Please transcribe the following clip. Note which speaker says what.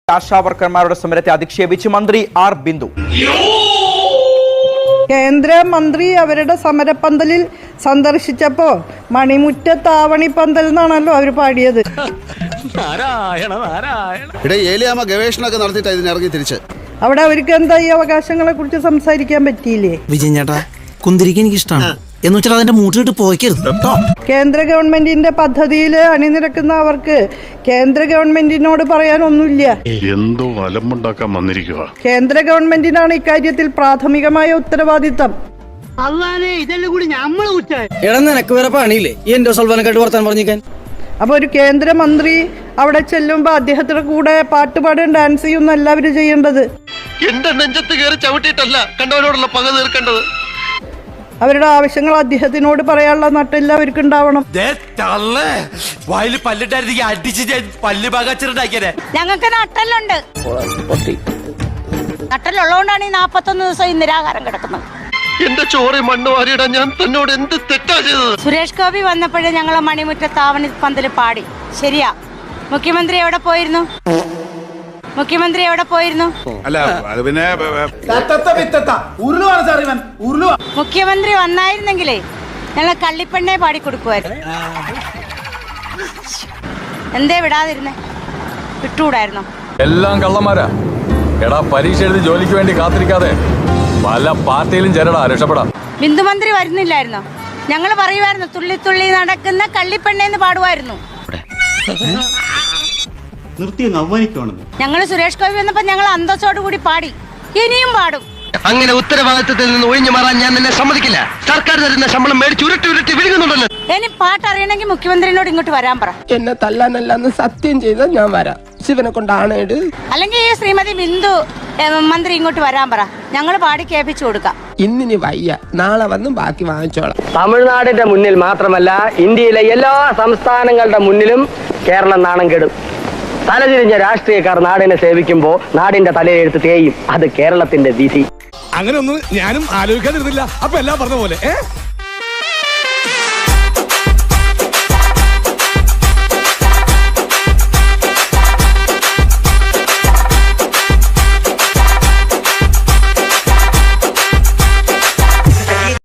Speaker 1: ആശാവർക്കർമാരുടെ സമരത്തെ അധിക്ഷേപിച്ച് മന്ത്രി ആർ ബിന്ദു.
Speaker 2: കേന്ദ്രമന്ത്രി അവരുടെ സമരപ്പന്തലിൽ സന്ദർശിച്ചപ്പോ മണിമുറ്റത്താവണിപ്പന്തൽ എന്നാണല്ലോ അവർ പാടിയത്.
Speaker 3: ഏലിയാമ്മ ഗവേഷണമൊക്കെ നടത്തിയിട്ട് ഇതിനിറങ്ങി തിരിച്ച്
Speaker 2: അവിടെ അവർക്ക് എന്താ ഈ അവകാശങ്ങളെ കുറിച്ച് സംസാരിക്കാൻ പറ്റിയില്ലേ?
Speaker 4: വിജയൻ ചേട്ടാ, കുന്തിരിക്ക എനിക്ക് ഇഷ്ടമാണ് എന്ന് വെച്ചാൽ അതിന്റെ മൂട്ടിലിട്ട് പോയിക്കരുത്.
Speaker 2: കേന്ദ്ര ഗവൺമെന്റിന്റെ പദ്ധതിയിൽ അണിനിരക്കുന്ന അവർക്ക് കേന്ദ്ര ഗവൺമെന്റിനോട് പറയാനൊന്നുമില്ല.
Speaker 5: എന്തോ അലമ്പുണ്ടാക്കാൻ വന്നിരിക്കുക.
Speaker 2: കേന്ദ്ര ഗവൺമെന്റിനാണ് ഇക്കാര്യത്തിൽ പ്രാഥമികമായ ഉത്തരവാദിത്തം.
Speaker 4: എടാ, നിനക്ക് വേറെ പണിയില്ലേ ഈ എന്റെ സൽവാനക്കായിട്ട് വർത്താൻ പറഞ്ഞിരിക്കാൻ?
Speaker 2: അപ്പൊ ഒരു കേന്ദ്രമന്ത്രി അവിടെ ചെല്ലുമ്പോ അദ്ദേഹത്തിന്റെ കൂടെ പാട്ടുപാടും ഡാൻസ് ചെയ്യൊന്നും എല്ലാവരും ചെയ്യേണ്ടത്.
Speaker 6: എന്റെ നെഞ്ചത്ത് കയറി ചവിട്ടിയിട്ടല്ല കണ്ടവനോടുള്ള പക തീർക്കേണ്ടത്.
Speaker 2: അവരുടെ ആവശ്യങ്ങൾ അദ്ദേഹത്തിനോട് പറയാനുള്ള നട്ടെല്ലാം അവർക്ക് ഉണ്ടാവണം.
Speaker 7: ഞങ്ങൾക്ക് നട്ടലുണ്ട്. നട്ടലുള്ളതുകൊണ്ടാണ് ഈ 41 ദിവസം ഈ നിരാഹാരം കിടക്കുന്നത്.
Speaker 6: എന്റെ ചോറി മണ്ണ് വാരിയിടാൻ ഞാൻ തന്നോട് എന്ത് തെറ്റാ ചെയ്തത്?
Speaker 7: സുരേഷ് ഗോപി വന്നപ്പോഴേ ഞങ്ങളെ മണിമുറ്റത്താവണി പന്തല് പാടി. ശരിയാ. മുഖ്യമന്ത്രി എവിടെ പോയിരുന്നു?
Speaker 5: അല്ല അത് പിന്നെ
Speaker 7: മുഖ്യമന്ത്രി വന്നായിരുന്നെങ്കിലേ ഞങ്ങൾ കള്ളിപ്പെണ്ണെ പാടി കൊടുക്കുമായിരുന്നു. എന്തേ വിടാതിരുന്നേ? വിട്ടുകൂടായിരുന്നോ?
Speaker 8: എല്ലാം കള്ളന്മാരാ. എടാ, പരീക്ഷ എഴുതി ജോലിക്ക് വേണ്ടി കാത്തിരിക്കാതെ പല പാർട്ടിയിലും ചേരടാ, രക്ഷപ്പെടാം.
Speaker 7: ബിന്ദുമന്ത്രി വരുന്നില്ലായിരുന്നോ? ഞങ്ങൾ പറയുമായിരുന്നു തുള്ളി തുള്ളി നടക്കുന്ന കള്ളിപ്പെണ്ണേന്ന് പാടുമായിരുന്നു. ഞങ്ങൾ സുരേഷ് ഗോപി വന്നപ്പോ ഞങ്ങൾ അന്തസ്സോടു കൂടി പാടി. ഇനിയും പാടും.
Speaker 6: അങ്ങനെ ഉത്തരവാദിത്തത്തിൽ നിന്ന് ഒഴിഞ്ഞു മാറാൻ ഞാൻ നിന്നെ സമ്മതിക്കില്ല. സർക്കാർ തരുന്ന ശമ്പളം മേടിച്ച് ഉരുട്ടി വിഴുങ്ങുന്നുണ്ടല്ലോ.
Speaker 7: ഇനി പാട്ട് അറിയണമെങ്കിൽ മുഖ്യമന്ത്രിനോട് ഇങ്ങോട്ട് വരാൻ പറ.
Speaker 9: എന്നെ തല്ലാനല്ലാന്ന് സത്യം ചെയ്താൽ ഞാൻ വരാം. ശിവനെ കൊണ്ടാണ്.
Speaker 7: അല്ലെങ്കിൽ ഈ ശ്രീമതി ബിന്ദു മന്ത്രി ഇങ്ങോട്ട് വരാൻ പറ. ഞങ്ങൾ പാടി കേൾപ്പിച്ചു കൊടുക്കാം.
Speaker 9: ഇന്നിനി വയ്യ, നാളെ വന്നും ബാക്കി വാങ്ങിച്ചോളാം.
Speaker 10: തമിഴ്നാടിന്റെ മുന്നിൽ മാത്രമല്ല, ഇന്ത്യയിലെ എല്ലാ സംസ്ഥാനങ്ങളുടെ മുന്നിലും കേരളം നാണം കെടും. തലതിരിഞ്ഞ രാഷ്ട്രീയക്കാർ നാടിനെ സേവിക്കുമ്പോ നാടിന്റെ തലയെഴുത്ത് തേയും. അത് കേരളത്തിന്റെ വിധി.
Speaker 8: അങ്ങനെ ഒന്നും ഞാനും ആലോചിക്കാതിരുന്നില്ല. അപ്പൊ എല്ലാം പറഞ്ഞ പോലെ